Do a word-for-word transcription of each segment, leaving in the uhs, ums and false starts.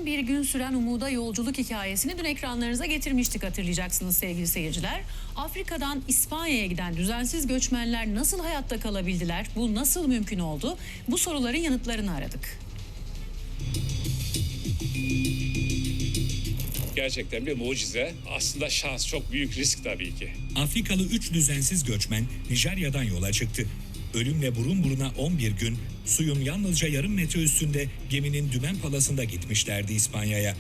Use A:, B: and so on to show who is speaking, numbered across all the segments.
A: bir gün süren umuda yolculuk hikayesini dün ekranlarınıza getirmiştik, hatırlayacaksınız sevgili seyirciler. Afrika'dan İspanya'ya giden düzensiz göçmenler nasıl hayatta kalabildiler? Bu nasıl mümkün oldu? Bu soruların yanıtlarını aradık.
B: Gerçekten bir mucize. Aslında şans, çok büyük risk tabii ki.
C: Afrikalı üç düzensiz göçmen Nijerya'dan yola çıktı. Ölümle burun buruna on bir gün suyun yalnızca yarım metre üstünde geminin dümen palasında gitmişlerdi İspanya'ya.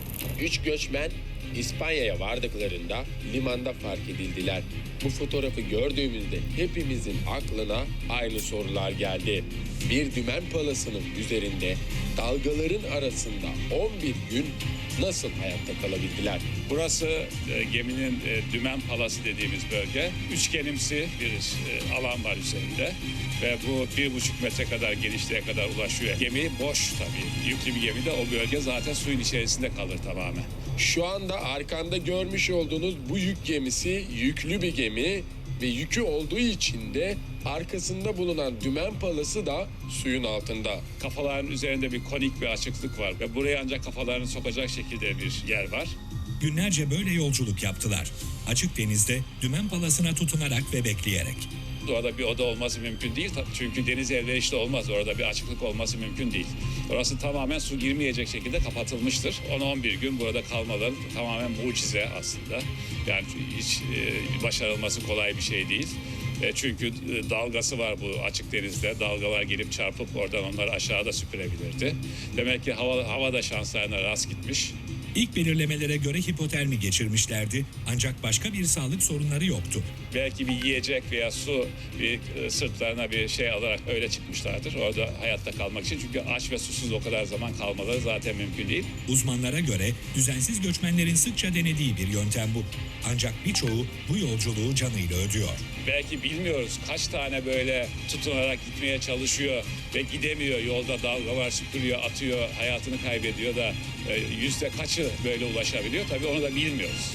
D: Üç göçmen İspanya'ya vardıklarında limanda fark edildiler. Bu fotoğrafı gördüğümüzde hepimizin aklına aynı sorular geldi. Bir dümen palasının üzerinde dalgaların arasında on bir gün nasıl hayatta kalabildiler?
B: Burası e, geminin e, dümen palası dediğimiz bölge. Üçgenimsi bir e, alan var üzerinde ve bu bir buçuk metre kadar genişliğe kadar ulaşıyor. Gemi boş tabii. Yüklü bir gemide o bölge zaten suyun içerisinde kalır tamamen.
D: Şu anda arkanda görmüş olduğunuz bu yük gemisi yüklü bir gemi ve yükü olduğu için de arkasında bulunan dümen palası da suyun altında.
B: Kafaların üzerinde bir konik bir açıklık var ve buraya ancak kafalarını sokacak şekilde bir yer var.
C: Günlerce böyle yolculuk yaptılar. Açık denizde dümen palasına tutunarak ve bekleyerek.
B: Orada bir oda olması mümkün değil. Çünkü deniz elverişli olmaz. Orada bir açıklık olması mümkün değil. Orası tamamen su girmeyecek şekilde kapatılmıştır. on on bir gün burada kalmaları tamamen mucize aslında. Yani hiç e, başarılması kolay bir şey değil. E, çünkü e, dalgası var bu açık denizde. Dalgalar gelip çarpıp oradan onları aşağıda süpürebilirdi. Demek ki hava, hava da şanslarına rast gitmiş.
C: İlk belirlemelere göre hipotermi geçirmişlerdi ancak başka bir sağlık sorunları yoktu.
B: Belki bir yiyecek veya su bir e, sırtlarına bir şey alarak öyle çıkmışlardır. Orada hayatta kalmak için. Çünkü aç ve susuz o kadar zaman kalmaları zaten mümkün değil.
C: Uzmanlara göre düzensiz göçmenlerin sıkça denediği bir yöntem bu. Ancak birçoğu bu yolculuğu canıyla ödüyor.
B: Belki bilmiyoruz kaç tane böyle tutunarak gitmeye çalışıyor ve gidemiyor. Yolda dalgalar süpürüyor, atıyor, hayatını kaybediyor da e, yüzde kaçı böyle ulaşabiliyor? Tabii onu da bilmiyoruz.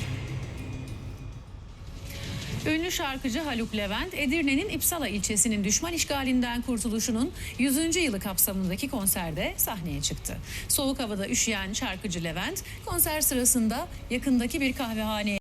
A: Ünlü şarkıcı Haluk Levent, Edirne'nin İpsala ilçesinin düşman işgalinden kurtuluşunun yüzüncü yılı kapsamındaki konserde sahneye çıktı. Soğuk havada üşüyen şarkıcı Levent, konser sırasında yakındaki bir kahvehaneye